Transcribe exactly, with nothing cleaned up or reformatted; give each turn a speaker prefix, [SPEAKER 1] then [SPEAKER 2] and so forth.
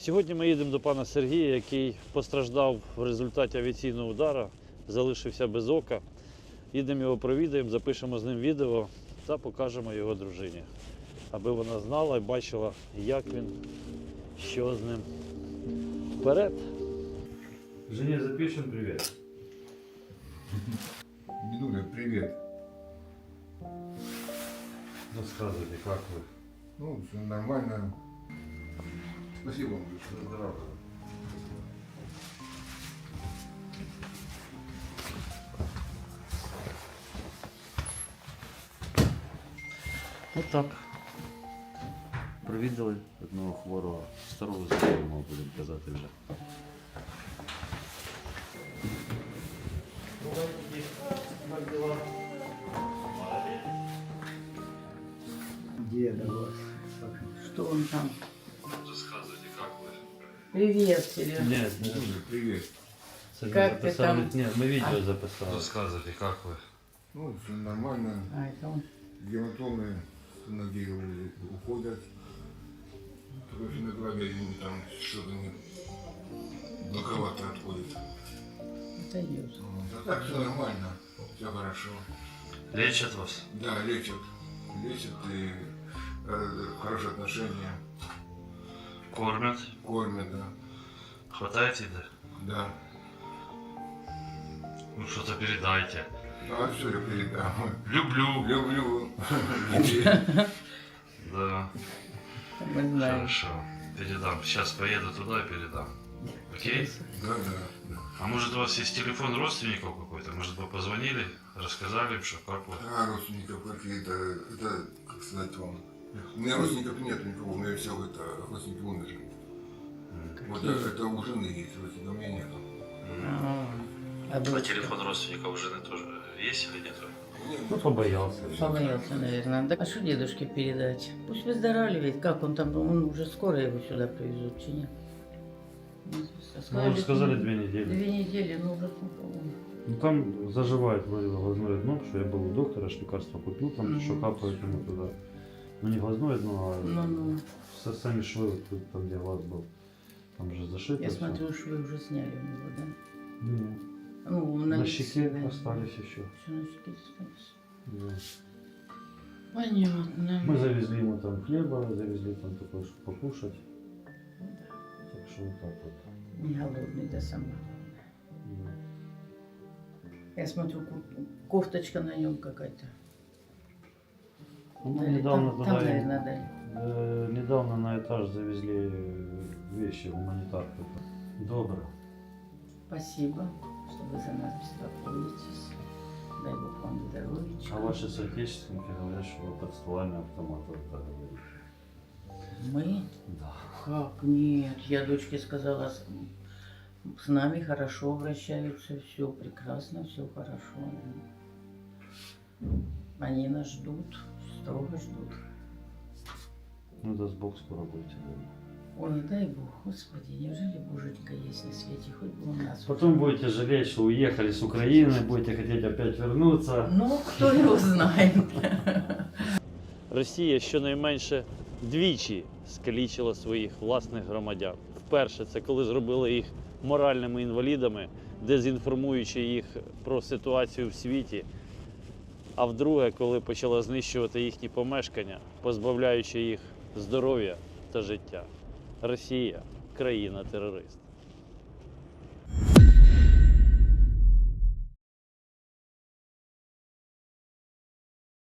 [SPEAKER 1] Сьогодні ми їдемо до пана Сергія, який постраждав в результаті авіаційного удару, залишився без ока. Їдемо його провідаємо, запишемо з ним відео та покажемо його дружині, аби вона знала і бачила, як він, що з ним. Вперед! Жене запишем привет.
[SPEAKER 2] Дедуля, привет.
[SPEAKER 1] Рассказывайте, как вы?
[SPEAKER 2] Ну, все нормально. Спасибо вам большое.
[SPEAKER 1] Здорово. Отак. Провідали одного хворого, старого знайомого, будемо казати вже.
[SPEAKER 3] Деда вас. Что он там?
[SPEAKER 1] Рассказывайте, как вы?
[SPEAKER 3] Привет, Серега.
[SPEAKER 1] Нет,
[SPEAKER 2] Дедуля, привет.
[SPEAKER 3] Как ты там?
[SPEAKER 1] Нет, мы видео записали.
[SPEAKER 4] Рассказывайте, как вы?
[SPEAKER 2] Ну, все нормально.
[SPEAKER 3] А, это он.
[SPEAKER 2] Гематомы с ноги уходят. Только иногда я не там что-то не боковато отходит.
[SPEAKER 3] Это идет.
[SPEAKER 2] А так все нормально. Все хорошо.
[SPEAKER 4] Лечат вас?
[SPEAKER 2] Да, лечат. Лечат и э, хорошие отношения.
[SPEAKER 4] Кормят?
[SPEAKER 2] Кормят, да.
[SPEAKER 4] Хватает еды?
[SPEAKER 2] Да.
[SPEAKER 4] Ну что-то передайте.
[SPEAKER 2] А все я передам.
[SPEAKER 4] Люблю.
[SPEAKER 2] Люблю.
[SPEAKER 4] Да,
[SPEAKER 3] Мы знаем.
[SPEAKER 4] хорошо. Передам. Сейчас поеду туда и передам. Окей?
[SPEAKER 2] Да, да, да.
[SPEAKER 4] А может у вас есть телефон родственников какой-то? Может вы позвонили, рассказали им, что как вот?
[SPEAKER 2] А родственников какие-то, это, как сказать вам, у меня родственников нет никого, у меня все это, родственники умерли. Вот это, это у жены есть, родственников у меня нет.
[SPEAKER 3] А, а
[SPEAKER 4] А
[SPEAKER 3] дочка?
[SPEAKER 4] телефон родственников у жены тоже есть или нет?
[SPEAKER 1] Ну, побоялся.
[SPEAKER 3] Побоялся, наверное. Да, а что дедушке передать? Пусть выздоравливает. Как он там? Он уже скоро его сюда привезут, чи нет?
[SPEAKER 1] Ну, уже сказали две недели.
[SPEAKER 3] Две недели, ну уже сколько?
[SPEAKER 1] Ну, там заживает вроде глазное дно, что я был у доктора, аж лекарства купил, там
[SPEAKER 3] Мгм.
[SPEAKER 1] еще капает ему туда. Ну, не глазное дно, а
[SPEAKER 3] Ну, ну.
[SPEAKER 1] со- сами швы, вот тут, там, где глаз был. Там же зашито.
[SPEAKER 3] Я
[SPEAKER 1] всё.
[SPEAKER 3] смотрю, швы уже сняли у него, да?
[SPEAKER 1] Не,
[SPEAKER 3] Ну,
[SPEAKER 1] на,
[SPEAKER 3] лице,
[SPEAKER 1] щеке
[SPEAKER 3] да.
[SPEAKER 1] остались еще.
[SPEAKER 3] Всё на щеке осталось.
[SPEAKER 1] Да.
[SPEAKER 3] Понятно.
[SPEAKER 1] Мы завезли ему там хлеба, завезли там такое, чтобы покушать. Так что вот так вот.
[SPEAKER 3] Не голодный, да, сама.
[SPEAKER 1] Да.
[SPEAKER 3] Я смотрю, ку- кофточка на нем какая-то.
[SPEAKER 1] Ну, мы
[SPEAKER 3] Дали.
[SPEAKER 1] недавно
[SPEAKER 3] там,
[SPEAKER 1] туда
[SPEAKER 3] там,
[SPEAKER 1] и-
[SPEAKER 3] наверное, дали.
[SPEAKER 1] Э, недавно на этаж завезли вещи, гуманитарку. Добро.
[SPEAKER 3] Спасибо, что вы за нас беспокоитесь. Дай Бог вам здоровья.
[SPEAKER 1] А ваши соотечественники говорят, что вы под стволами автомата вот так говорите.
[SPEAKER 3] Мы?
[SPEAKER 1] Да.
[SPEAKER 3] Как? Нет. Я дочке сказала, с, с нами хорошо обращаются, все прекрасно, все хорошо. Они нас ждут, строго ждут.
[SPEAKER 1] Ну, даст Бог, скоро будете дома.
[SPEAKER 3] Ой, дай Бог, Господи, неужели Божечка есть на свете, хоть бы у нас.
[SPEAKER 1] Потом будете жалеть, что уехали с Украины, будете хотеть опять вернуться.
[SPEAKER 3] Ну, кто его знает.
[SPEAKER 1] Росія щонайменше двічі скалічила своїх власних громадян. Вперше це коли зробили їх моральними інвалідами, дезінформуючи їх про ситуацію в світі. А вдруге, коли почала знищувати їхні помешкання, позбавляючи їх здоров'я та життя. Росія – країна-терорист.